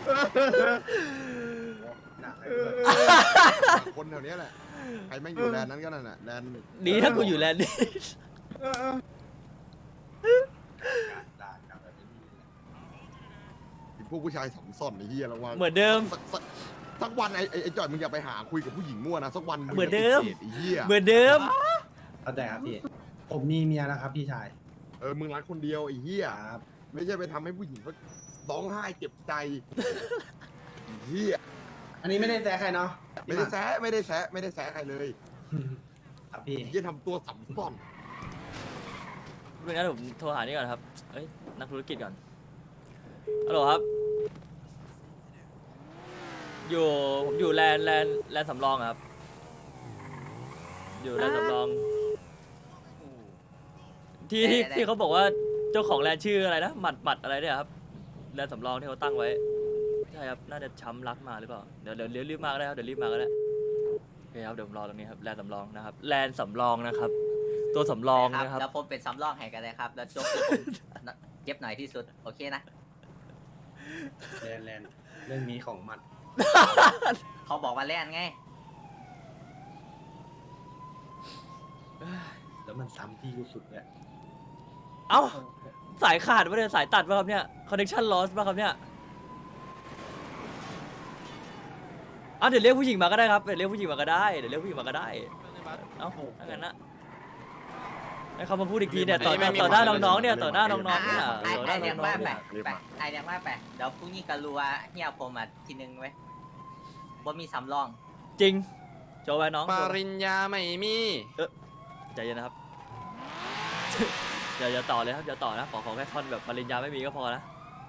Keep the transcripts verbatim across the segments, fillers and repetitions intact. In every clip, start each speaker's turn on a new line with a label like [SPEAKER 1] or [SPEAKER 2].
[SPEAKER 1] คนแถวนี้แหละใครแม่งอยู่แลนนั้นก็นั่นแหละแลน
[SPEAKER 2] ดีถ้ากูอยู่แลนด์นี้
[SPEAKER 1] พวกผู้ชายสองซ่อนไอ้เหี้ยระวัง
[SPEAKER 2] เหมือนเดิม
[SPEAKER 1] สักวันไอ้ไอ้จอยมึงอย่าไปหาคุยกับผู้หญิงมั่วนะสักวัน
[SPEAKER 2] เหมือนเดิม
[SPEAKER 1] ไอ้เหี้ย
[SPEAKER 2] เหมือนเดิม
[SPEAKER 3] เข้าใจครับพี่ผมมีเมียแล้วครับพี่ชาย
[SPEAKER 1] เออมึงรักคนเดียวไอ้เหี้ยไม่ใช่ไปทำให้ผู้หญิงเขาร้องไห้เจ็บใจเหี้ย
[SPEAKER 3] อันนี้ไม่ได้แซะใครเนาะ
[SPEAKER 1] ไม่ได้แซะไม่ได้แซะไม่ได้แซะใครเลย
[SPEAKER 3] ครับพี่
[SPEAKER 1] ยี่ทำตัวสัมซ่อน
[SPEAKER 2] ไม่งั้นผมโทรหานี่ก่อนครับเอ้ยนักธุรกิจก่อนฮัลโหลครับอยู่ผมอยู่แลนแลนแลนสำรองครับอยู่แลนสำรองที่ที่ที่เขาบอกว่าเจ้าของแลนชื่ออะไรนะหมัดหมัดอะไรเนี่ยครับแลนสำรองที่เขาตั้งไว้ใช่ครับน่าจะช้ำรักมาหรือเปล่าเดี๋ยวเดี๋ยวเดี๋ยวรีบมาก็ได้ครับเดี๋ยวรีบมาก็ได้โอเคครับเดี๋ยวผมรอตรงนี้ครับแลนสำรองนะครับแลนสำรองนะครับตัวสำรองนะครับ
[SPEAKER 4] แล้วผมเป็นสำรองให้กันเลยครับแล้วจบเก็บหน่อยที่สุดโอเคนะ
[SPEAKER 3] แลนแลนเรื่องนี้ของมัน
[SPEAKER 4] เขาบอกว่าแลนไง
[SPEAKER 3] แล้วมันซ้ำที่กูสุดเนี่ย
[SPEAKER 2] เอ้าสายขาดป่ะเนี่ยสายตัดป่ะครับเนี่ยคอนเนคชั่นลอสป่ะครับเนี่ยอ่ะเดี๋ยวเรียกผู้หญิงมาก็ได้ครับเดี๋ยวเรียกผู้หญิงมาก็ได้เดี๋ยวเรียกผู้หญิงมาก็ได้เอ้าถ้างั้นนะให้เขามาพูดอีกทีเนี่ยต่อต่อหน้าน้องๆเนี่ยต่อหน้าน้องๆเนี่ยต่อหน้าน้องๆเนี่ย
[SPEAKER 4] ไอเดียว่าไปเดี๋ยวพรุ่งนี้ก็รู้ว่าเฮียผมอ่ะทีนึงไว้บ่มีสำรอง
[SPEAKER 2] จริงโจไว้น้อง
[SPEAKER 5] ปริญญาไม่มี
[SPEAKER 2] เออใจเย็นนะครับอย่าอย่าต่อเลยครับอย่าต่อนะขอขอแค่ท่อนแบบปริญญาไม่มีก็พอนะ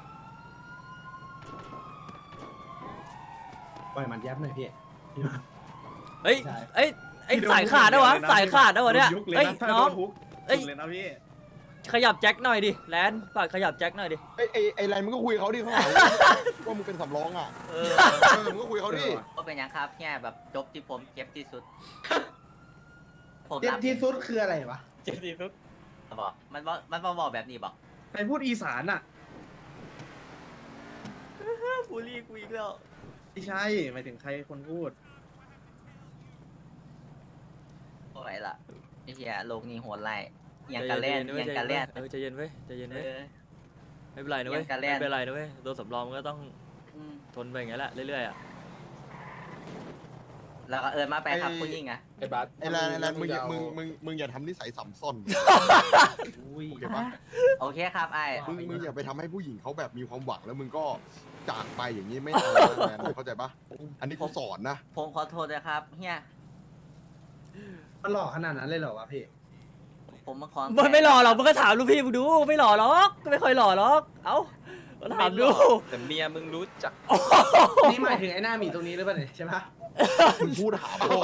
[SPEAKER 3] ปล่อยมันยับหน่อยพี่
[SPEAKER 2] เฮ้ยเอ้ยไอ้สายขาดนะวะสายขาดนะวะเนี่ยเฮ้ยน้องเอ้ยขยับแจ็คหน่อยดิแลนฝากขยับแจ็คหน่อยดิ
[SPEAKER 1] ไอ้ไอ้ไอ้ไรมึงก็คุยเขาดิเขาหาว่ามึงเป็นสำรองอ่ะเออมึงก็คุยเขาดิ
[SPEAKER 4] ก็เป็นอย่างครับแค่แบบจบที่ผมเก็บที่สุด
[SPEAKER 3] เจ็บที่สุดคืออะไรวะ
[SPEAKER 2] เจ็บที่สุด
[SPEAKER 4] บอกมันบอกมันบอกแบบนี้บอก
[SPEAKER 3] ใครพูดอีสานอ่ะ
[SPEAKER 2] ฟูรี่กูอีกแล้ว
[SPEAKER 3] ไม่ใช่หมายถึงใครคนพูด
[SPEAKER 4] โอ้ยล่ะไอ้เหี้ยโลกนี้โหดไรยังกันเล่นยังกันเล่น
[SPEAKER 2] เออใจเย็นเว้ยใจเย็นเว้ยไม่เป็นไรนะเว้ยไม่เป็นไรนะเว้ยตัวสำรองก็ต้องทนไปอย่างเงี้ยแหละเรื่อยๆอ่ะ
[SPEAKER 4] แล้วก็เอิญมาไปครับคุณยิ่งอ่ะ
[SPEAKER 1] ไอ้บัสไอ้แลนไอ้แลนมึงอย่ามึงมึงมึงอย่าทำนิสัยสัมซ่อนโอเคปะ
[SPEAKER 4] โอเคครับไอ้
[SPEAKER 1] มึงมึงอย่าไปทำให้ผู้หญิงเขาแบบมีความหวังแล้วมึงก็จากไปอย่างนี้ไม่เอาแลนเข้าใจปะอันนี้เขาสอนนะ
[SPEAKER 4] ผมขอโทษนะครับเฮีย
[SPEAKER 3] มันหล่อขนาดนั้นเลยเหรอวะพี่
[SPEAKER 4] ผมมาขอ
[SPEAKER 2] มันไม่หล่อหรอกมึงก็ถามลูกพี่มึงดูไม่หล่อหรอกก็ไม่ค่อยหล่อหรอกเอ้าถามดู
[SPEAKER 5] แต่เมียมึงรู้จัก
[SPEAKER 3] นี่หมายถึงไอ้หน้าหมีตรงนี้หรือเปล่าเนี่ยใช่ปะ
[SPEAKER 1] มึงพูดหาพ่อ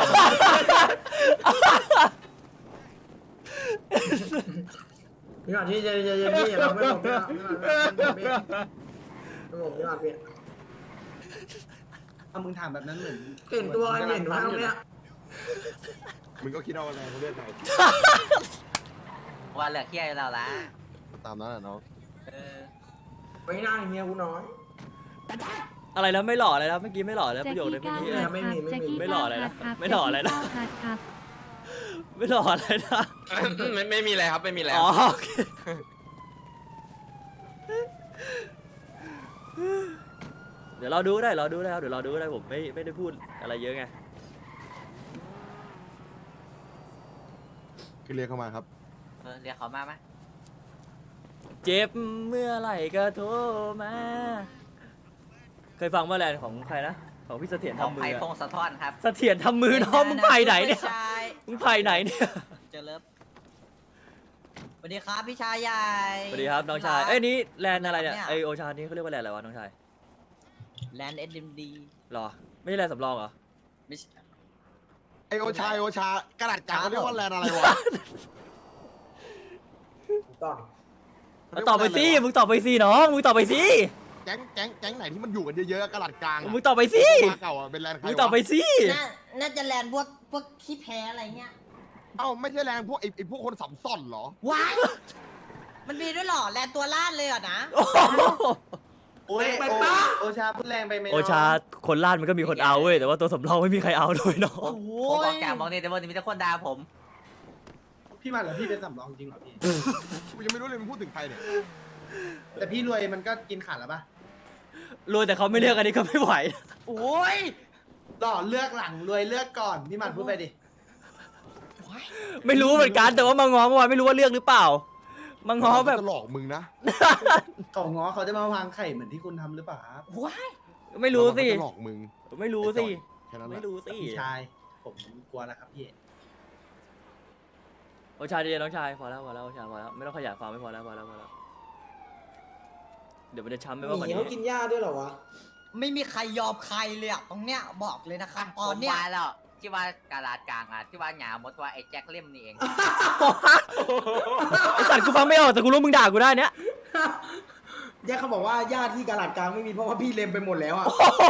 [SPEAKER 3] พี่หน่อยที่จะจะจะพี่อย่าไม่บอกพี่หน่อยไม่บอกพี่ไม่บอกพี่หน่อยพี่ถ้ามึงถามแบบนั้นเหมือนเก่งตัวไอ้เหม็นวะเนี่ย
[SPEAKER 1] มึงก็คิดเอาอะไรเขาเรียกไง
[SPEAKER 4] ว่าเหลือเคี้ยวเราละ
[SPEAKER 1] ตามนั้นแหละน้อง
[SPEAKER 3] ไม่น่าเฮียกูน้อย
[SPEAKER 2] อะไรแล้วไม่หล่ออะไรแล้วเมื่อกี้ไม่หล่อแล้วประโยคเลยเมื่อกี้
[SPEAKER 3] ไม่มีไม่มี
[SPEAKER 2] ไม่หล่ออะไรนะไม่หล่ออะไรนะไม่หล่ออะไรนะ
[SPEAKER 5] ไม่ไม่มีอะไรครับไม่มีอะไร
[SPEAKER 2] อ๋อโอเคเดี๋ยวเราดูได้เราดูได้ครับเดี๋ยวเราดูได้ผมไม่ไม่ได้พูดอะไรเยอะไง
[SPEAKER 1] คือเรียกเข้ามาครับ
[SPEAKER 4] เออเรียกเขามาไหม
[SPEAKER 2] เจ็บเมื่อไหร่ก็โทรมาเคยฟังเมื่อไรของใครนะของพี่เสถียรทำมือ
[SPEAKER 4] ไผ่พงสะท้อนครับ
[SPEAKER 2] เสถียรทำมือน้องมึงไผ่ไหนเนี่ยมึงไผ่ไหนเนี่ย
[SPEAKER 4] เจอเลิฟสวัสดีครับพี่ชายใหญ่
[SPEAKER 2] สวัสดีครับน้องชายเอ้ยนี้แลนอะไรเนี่ยไอโอชานี้เขาเรียกว่าแลนอะไรวะน้องชาย
[SPEAKER 4] แลนเอ็ดเอ็มดี
[SPEAKER 2] หรอไม่ใช่แลนสำรองเหรอ
[SPEAKER 4] ไม่
[SPEAKER 1] ไอโอชาโอชากระดาษกลางเขาเรียกว่าแลนอะไรวะ
[SPEAKER 3] ต้อง
[SPEAKER 2] ตอบไปสิมึงตอบไปสิน้องมึงตอบไปสิ
[SPEAKER 1] แก๊งแก๊งแก๊งไหนที่มันอยู่กันเยอะๆกระดาษกลาง
[SPEAKER 2] มึงตอบไปสิ
[SPEAKER 1] เก่าอ่ะเป็นแลนใคร
[SPEAKER 2] มึงตอบไปสิ
[SPEAKER 4] น่าจะแลนพวกพวกขี้แพ้อะไรเงี้ย
[SPEAKER 1] เอ้าไม่ใช่แลนพวกไอไอพวกคนสัมซ่อนเหรอ
[SPEAKER 4] ว้ายมันมีด้วยหรอแลนตัวล่าเลยเหรอนะ
[SPEAKER 6] โอ้ย
[SPEAKER 3] ไป
[SPEAKER 6] โอ
[SPEAKER 3] ปะ
[SPEAKER 6] โอชาพูดแรงไปไหม
[SPEAKER 2] โอชาคนล่านมันก็มีคนเอาเว้ยแต่ว่าตัวสำรองไม่มีใครเอาด้วยน้อ
[SPEAKER 4] ผ
[SPEAKER 2] ง
[SPEAKER 4] มผมบอกจากบอกเนี่ยแต่ว่ามีแต่คนด่าผม
[SPEAKER 6] พี่มันเหรอพี่เป็นสำรองจริงเหรอพี่
[SPEAKER 1] กูยังไม่รู้เลยมึงพูดถึงใครเนี่ย
[SPEAKER 6] แต่พี่รวยมันก็กินขาดแล้วปะ
[SPEAKER 2] รวยแต่เขาไม่เลือกอันนี้ก็ไม่ไหว
[SPEAKER 4] โอ้ย
[SPEAKER 6] หล่อเลือกหลังรวยเลือกก่อนพี่มันพูดไปดิ
[SPEAKER 2] ไม่รู้เหมือนกันแต่ว่ามางอเมื่อวานไม่รู้ว่าเลือกหรือเปล่ามางอแบบ
[SPEAKER 1] จะหลอกมึงนะ
[SPEAKER 6] เขาง้อเขาจะมาวางไข่เหมือนที่คุณทำหรือเปล่าครับ
[SPEAKER 4] ว้าย
[SPEAKER 2] ไม่รู้สิ
[SPEAKER 1] จะหลอกมึง
[SPEAKER 2] ไม่รู้สิ
[SPEAKER 1] แค่นั้นแห
[SPEAKER 2] ไม่
[SPEAKER 1] ละ
[SPEAKER 2] รู้สิ
[SPEAKER 6] พี่ชายผมกลัวแล้วครับพี่
[SPEAKER 2] โอชาดีน้องชายพอแล้วพอแล้วโอชาพอแล้วไม่ต้องขยายความไม่พอแล้วพอแล้วพอแล้วเดี๋ยวมันจะช้ำไป
[SPEAKER 3] ห
[SPEAKER 2] มากกว่า
[SPEAKER 3] มี
[SPEAKER 2] นี้
[SPEAKER 3] เขากินหญ้าด้วยเหรอวะ
[SPEAKER 7] ไม่มีใครยอมใครเลยอะตรงเนี้ยบอกเลยนะครับ
[SPEAKER 4] ผ
[SPEAKER 7] ตอน
[SPEAKER 4] ม
[SPEAKER 7] เนี้ย
[SPEAKER 4] ว่าแล้วที่ว่ากาลาดกลางอ่ะที่ว่าหยาหมดว่าไอ้แจ็คเล่มนี่เอง
[SPEAKER 2] ไอสัตว์กูฟังไม่ออกแต่กูรู้มึงด่ากูได้เนี้ย
[SPEAKER 3] แยกเขาบอกว่าหญ้าที่กาลาดกลางไม่มีเพราะว่าพี่เล็มไปหมดแล้วอ่ะ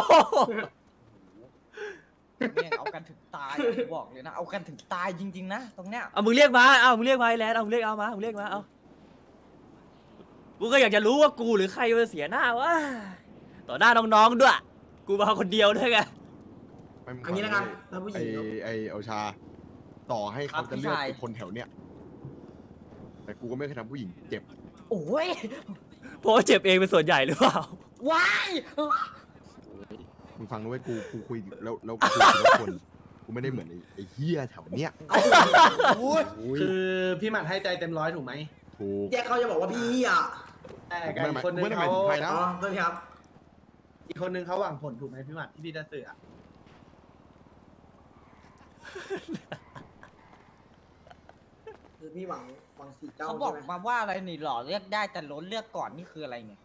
[SPEAKER 7] เนี่ยเอากันถึงตายอะบอกเลยนะเอากันถึงตายจริงๆนะตรงเนี้ย
[SPEAKER 2] เอามึงเรียกมาเอามึงเรียกมาไอ้แลนเอามึงเรียกเอามามึงเรียกมาเอากูก็อยากจะรู้ว่ากูหรือใครจะเสียหน้าวะต่อหน้าน้องๆด้วยกูมาคนเดียวด้วยไง
[SPEAKER 1] ไม่มึง
[SPEAKER 3] อันนี้นะครับถ้าผู้ห
[SPEAKER 1] ไอ
[SPEAKER 3] ญิง
[SPEAKER 1] ไอโอชา ต่อให้เขาจะเลือกไอ้คนแถวเนี้ยแต่กูก็ไม่เคยทำผู้หญิงเจ็บ
[SPEAKER 7] โอ้ย
[SPEAKER 2] เพราะว่าเจ็บเองเป็นส่วนใหญ่หรือเปล่า
[SPEAKER 7] ว้าย
[SPEAKER 1] มึงฟังนะเว้ยกูกูคุยแล้วแล้วกูคุยกับทุกคนกูไม่ได้เหมือนไอ้ไอ้เฮียแถวเนี้ย
[SPEAKER 3] โอ้ย
[SPEAKER 1] โอ้ย
[SPEAKER 6] คือพี่มันให้ใจเต็มร้อยถูกไหม
[SPEAKER 1] ถูก
[SPEAKER 3] แยกเขาจะบอกว่าพี่อ่ะ
[SPEAKER 6] แต่กับอีกคนนึง
[SPEAKER 1] ไม่ได้หมาย
[SPEAKER 6] เขา
[SPEAKER 1] ถึงใครนะ
[SPEAKER 3] อ๋อโทษทีครับ
[SPEAKER 6] อีกคนนึงเขาหวังผลถูกไหมพี่มันที่พี่จะสื่ออะ
[SPEAKER 3] คือพี่หวังหวังสีเจ้า
[SPEAKER 7] เขาบอก
[SPEAKER 3] ใช่ไหม
[SPEAKER 7] มาว่าอะไรนี่หล่อเลือกได้แต่ล้นเลือกก่อนนี่คืออะไรเนี่ย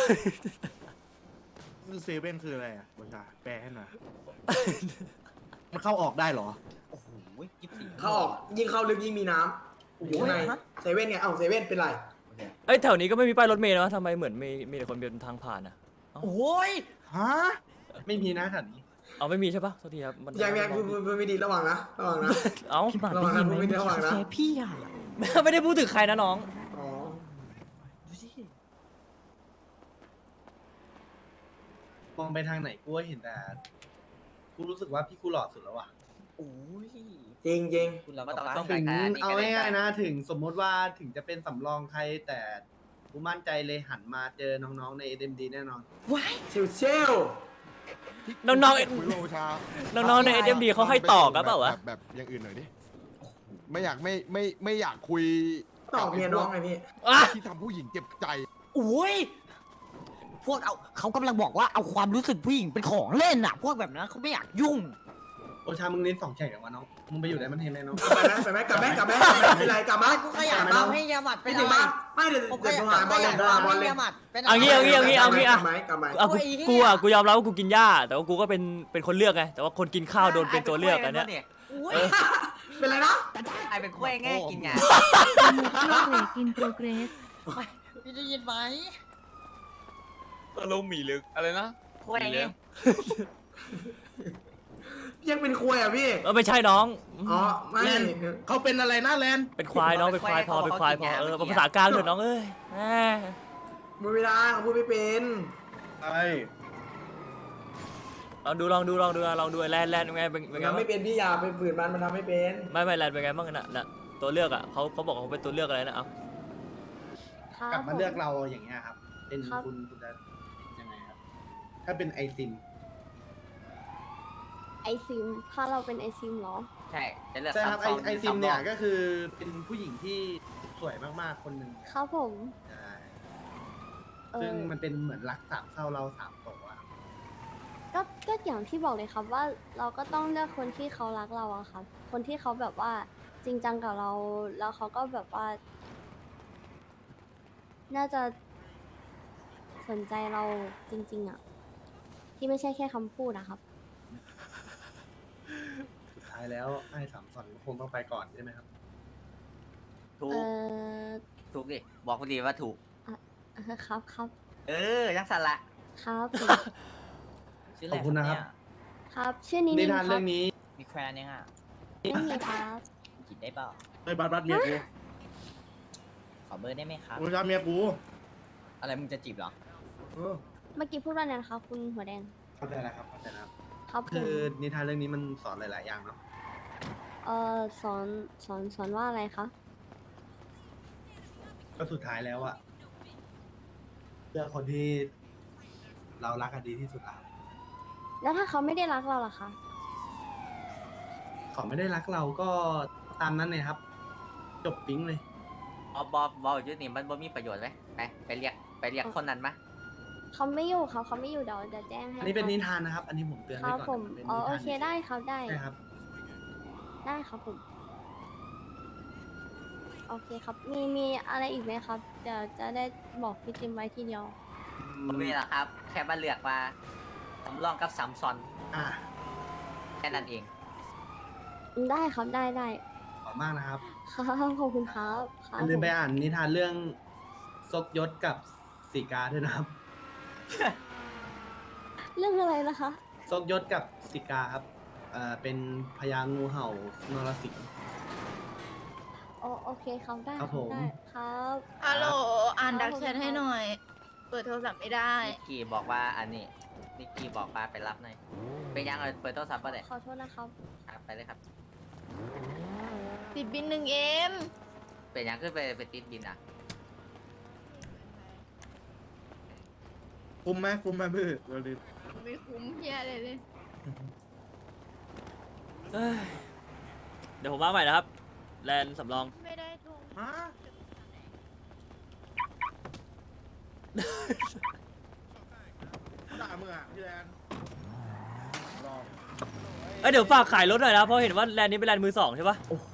[SPEAKER 8] เซเว่นคืออะไรอ่ะบัญชาแปลให้หน่อย มันเข้าออกได้เหรอ
[SPEAKER 7] โอ้โหกิ๊บสี
[SPEAKER 3] เขาออกยิ่งเข้าลึกยิ่งมีน้ำอยู่ข้างในเซเว่นไงเอ้าเซเว่นเป็นไร
[SPEAKER 2] เอ้ยแถวนี้ก็ไม่มีป้ายรถเมล์นะทำไมเหมือนมีมีแต่คนเดินทางผ่านอ่ะ
[SPEAKER 7] โอ้ย
[SPEAKER 8] ฮะ
[SPEAKER 6] ไม่มีนะแถวนี้
[SPEAKER 2] เอาไม่มีใช่ปะโทษทีครับมัน
[SPEAKER 3] ยังยังคือคือไม่ดีระวังนะระวังนะ
[SPEAKER 2] เอ้า
[SPEAKER 7] พี่หมา
[SPEAKER 3] ระวัง
[SPEAKER 7] ได้
[SPEAKER 3] นะ
[SPEAKER 7] ยินไหม
[SPEAKER 3] ไม่ได้ระวังนะ
[SPEAKER 7] แค่พี่อะ
[SPEAKER 2] ไม่ได้พูดถึงใครนะน้อง
[SPEAKER 3] อ๋อ
[SPEAKER 7] ดูสิ
[SPEAKER 6] มองไปทางไหนกูก็เห็นแต่กูรู้สึกว่าพี่กูหล่อสุดแล้วว่ะ
[SPEAKER 7] โอ้ย
[SPEAKER 3] จริงจริง
[SPEAKER 7] คุณเรา
[SPEAKER 4] ไม่
[SPEAKER 7] ก็
[SPEAKER 4] ต้อง
[SPEAKER 7] ไป
[SPEAKER 4] ต้อง
[SPEAKER 6] ถึ
[SPEAKER 4] การ
[SPEAKER 6] ง
[SPEAKER 4] การนี่
[SPEAKER 6] เอา
[SPEAKER 4] ก็ได้
[SPEAKER 6] ง่ายๆนะถึงสมมติว่าถึงจะเป็นสำรองใครแต่กูมั่นใจเลยหันมาเจอน้องๆใน เอ็ม ดี แน่นอน
[SPEAKER 7] ว้าย
[SPEAKER 3] เชลเชล
[SPEAKER 2] น้องๆ
[SPEAKER 1] คุยกับโอชา
[SPEAKER 2] น้องๆใน เอส เอ็ม ดี เขาให้ต่อกันเปล่าวะ
[SPEAKER 1] แบบแบบอย่างอื่นหน่อยดิไม่อยากไม่ไม่ไม่อยากคุย
[SPEAKER 3] ตอบเมียน้องไงพี่
[SPEAKER 2] อ่ะ
[SPEAKER 1] ที่ทำผู้หญิงเจ็บใจ
[SPEAKER 7] โอ้ยพวกเอาเขากำลังบอกว่าเอาความรู้สึกผู้หญิงเป็นของเล่นอะพวกแบบนั้นเขาไม่อยากยุ่ง
[SPEAKER 6] โอชามึงเน้นสองแข่งกับวะน้องมึงไปอยู่ได้มันเทนไหมน้อง
[SPEAKER 3] ไปไหมไปไหมกลับไหมกลับไหมกลับไหมไม่ไรกลับไหม
[SPEAKER 7] กูขยันมาให้ยาหมัดเป็
[SPEAKER 3] ไม่
[SPEAKER 7] น
[SPEAKER 3] ถึง
[SPEAKER 7] อะไร
[SPEAKER 3] มาไม่เดี๋ยว
[SPEAKER 7] ผมข
[SPEAKER 3] เดี๋ยว
[SPEAKER 7] ยั
[SPEAKER 3] โทร
[SPEAKER 7] น
[SPEAKER 3] หาบอล
[SPEAKER 7] ข
[SPEAKER 3] เล
[SPEAKER 7] ยั
[SPEAKER 3] ย
[SPEAKER 7] น
[SPEAKER 3] โทรหาบอล
[SPEAKER 7] ให้
[SPEAKER 3] เลย
[SPEAKER 7] ยาหมัดเป็น
[SPEAKER 2] เอางี้เอางี้เอางี้เอางี้อ่ะ
[SPEAKER 3] กลับไหมกลับไหม
[SPEAKER 2] เอากู
[SPEAKER 7] โอ้ยไอ้เหี้ย
[SPEAKER 2] กูอ่ะกูยอมรับว่ากูกินหญ้าแต่ว่ากูก็เป็นเป็นคนเลือกไงแต่ว่าคนกินข้าวโดนเป็นตัวเลือกอันเนี้ย
[SPEAKER 7] โอ้ย
[SPEAKER 3] เป็นไรนะ
[SPEAKER 4] ไอ้เป็นกล้วยแง่กินหยา
[SPEAKER 9] in progress
[SPEAKER 7] พี่ได้ยินไหม
[SPEAKER 5] ตะลุมหมีลึกอะไรนะ
[SPEAKER 4] กล้วยแง่
[SPEAKER 3] ยังเป็นควยอ่ะพี่
[SPEAKER 2] เออไม่ใช่น้อง
[SPEAKER 3] อ๋อไม่
[SPEAKER 8] แลนเขาเป็นอะไรนะแลน
[SPEAKER 2] เป็นควายน้องเป็นควายพอเป็นควายพอเออเป็นภาษากลางเถอะน้องเอ้ยแหม
[SPEAKER 3] มือไม่ได้เขาพูดไม่เป็น
[SPEAKER 8] ใช่
[SPEAKER 2] ลองดูลองดูลองดูลองดูแลนแลนเป็นไงเป็นเป็นไง
[SPEAKER 3] ทำ
[SPEAKER 2] บ้าง
[SPEAKER 3] ไม่เป็นพี่อยาไปฝืนมันมันทำไม่เป็น
[SPEAKER 2] ไม่ไม่แลนเป็นไงบ้างน่ะน่ะตัวเลือกอ่ะเขาเขาบอกเขาเป็นตัวเลือกอะไรนะเอา
[SPEAKER 6] กลับมาเลือกเราอย่างเงี้ยครับ เป็น
[SPEAKER 9] ครับ
[SPEAKER 6] คุณคุณจะยังไงครับ ถ้าเป็นไอซิม
[SPEAKER 9] ไอซิม ถ้าเราเป็นไอซิมเหรอ
[SPEAKER 4] ใช่จะเลือก
[SPEAKER 6] ใช่ครับไอ
[SPEAKER 4] ซับซ้น
[SPEAKER 6] ไอซิมเนี่ย
[SPEAKER 4] ซับซ้อ
[SPEAKER 6] ก็คือเป็นผู้หญิงที่สวยมากๆคนหนึ่ง
[SPEAKER 9] ครับผม
[SPEAKER 6] ใช่
[SPEAKER 9] เอ
[SPEAKER 6] ซึ่ง
[SPEAKER 9] อ
[SPEAKER 6] มันเป็นเหมือนรักสามเศร้าเราสามโตอะครับ
[SPEAKER 9] ก็ก็อย่างที่บอกเลยครับว่าเราก็ต้องเลือกคนที่เขารักเราอะครับ คนที่เขาแบบว่าจริงจังกับเรา แล้วเขาก็แบบว่า น่าจะสนใจเราจริง ๆอะที่ไม่ใช่แค่คำพูดอะครับ
[SPEAKER 6] สุดท้ายแล้วไอ้สามสอนคงต้องไปก่อนใช่ไหมครับ
[SPEAKER 4] ถู
[SPEAKER 9] เอก อ
[SPEAKER 4] ถูกดิบอกคนดีว่าถูก
[SPEAKER 9] เออครับครับ
[SPEAKER 4] เออยังสั่นละ
[SPEAKER 9] ครับผม
[SPEAKER 7] ชื่อ
[SPEAKER 6] ขอบคุณนะครับ
[SPEAKER 9] ครับ ชื่อนี้
[SPEAKER 6] นิ
[SPEAKER 9] นี่
[SPEAKER 6] ทาน
[SPEAKER 9] ครั
[SPEAKER 6] เรื่
[SPEAKER 9] บ
[SPEAKER 6] องนี้
[SPEAKER 7] มีแควนยังอ่ะ
[SPEAKER 9] ไม่มีครับ
[SPEAKER 7] จีบได้เปล่า
[SPEAKER 8] ไอ้บัตรบัตรเมียกู
[SPEAKER 7] ขอเบอร์ได้ไหมครับ
[SPEAKER 8] โอชาเมียกู
[SPEAKER 7] อะไรมึงจะจีบเหรอ
[SPEAKER 8] เออ
[SPEAKER 9] เมื่อกี้พูดว่าไงนะคะคุณหัวแดง
[SPEAKER 6] เข้าใจแล้วครับเข้าใจแล้ว
[SPEAKER 9] ครับผ
[SPEAKER 6] คื
[SPEAKER 9] ม
[SPEAKER 6] อนิทานเรื่องนี้มันสอนหลาย ๆ อย่างเนาะ
[SPEAKER 9] เอ่อสอนสอนสอนว่าอะไรคะ
[SPEAKER 6] ก็สุดท้ายแล้วอะเลือกคนที่เรารักกันดีที่สุดแล้ว
[SPEAKER 9] แล้วถ้าเขาไม่ได้รักเราล่ะคะ
[SPEAKER 6] เขาไม่ได้รักเราก็ตามนั้นเลยครับ จบปิ๊งเลย
[SPEAKER 4] บอบอบออยู่นี่มันบ่มีประโยชน์ไหมไปไปเรียกไปเรียกคนนั้นมา
[SPEAKER 9] เขาไม่อยู่เขาเขาไม่อยู่เดี๋ยวจะแจ้งให้
[SPEAKER 6] อันนี้เป็น
[SPEAKER 9] ครับ
[SPEAKER 6] นิทานนะครับ อันนี้ผมเตือน
[SPEAKER 9] ค
[SPEAKER 6] ไว้
[SPEAKER 9] รับ
[SPEAKER 6] ก่อน
[SPEAKER 9] ผม
[SPEAKER 6] เป็น
[SPEAKER 9] อ๋อ
[SPEAKER 6] นิทาน
[SPEAKER 9] โอเคได้ครับได้
[SPEAKER 6] ใช่ครับ
[SPEAKER 9] ได้ครับผม โอเคครับ มีมีอะไรอีกไหมครับเดี๋ยวจะได้บอกพี่จิมไว้ทีเดียว
[SPEAKER 4] บ่มีหรอกครับ แค่มาเลือกว่าสำรองกับซัมซอน
[SPEAKER 6] อ่า
[SPEAKER 4] แค่นั้นเอง
[SPEAKER 9] ได้ครับได้ได้
[SPEAKER 6] ขอบมากนะครับ
[SPEAKER 9] ครับขอบคุณครับค
[SPEAKER 6] อ
[SPEAKER 9] รับ
[SPEAKER 6] ย่าลืมไป
[SPEAKER 9] ผม
[SPEAKER 6] อ่านนิทานเรื่องซกยศกับสีกาด้วยนะครับ
[SPEAKER 9] เรื่องอะไรนะคะ
[SPEAKER 6] ซกยศกับสีกาครับเอ่อเป็นพญางูเห่านรสิงห์
[SPEAKER 9] โอโอเคครับได้
[SPEAKER 6] ครับผม
[SPEAKER 9] ได้ครับ
[SPEAKER 10] ฮัลโหล อ่าน
[SPEAKER 9] ครั
[SPEAKER 10] ดั
[SPEAKER 9] บ
[SPEAKER 10] ก
[SPEAKER 9] ผม
[SPEAKER 10] แชทให้หน่อย เปิดโทรศัพท์ไม่ได้
[SPEAKER 4] นิกกี้บอกว่าอันนี้นิกกี้บอกว่าไปรับหน่อยเป็นยังเออเปิดโทรศัพท์ป่ะเด็
[SPEAKER 9] ขอโทษนะครับ
[SPEAKER 4] ครับไปเลยครับ
[SPEAKER 10] ติดบินหนึ่งเอ็ม
[SPEAKER 4] เป็นยังขึ้นไปไปติดบินอ่ะ
[SPEAKER 8] คุ้มไหมคุ้มไหมมือเราดิ
[SPEAKER 10] ไม่คุ้มเฮียเลยเลย
[SPEAKER 2] เอ้ยเดี๋ยวผมมาใหม่นะครับ แลนด์สำรอง
[SPEAKER 10] ไม่ได้โทร
[SPEAKER 8] ฮะด่ามึงอ่ะพี่แลนลอง
[SPEAKER 2] เอ้ยเดี๋ยวฝากขายรถหน่อยนะ เพราะเห็นว่าแลนด์นี้เป็นแลนด์มือสองใช่ปะ
[SPEAKER 6] โอ้โห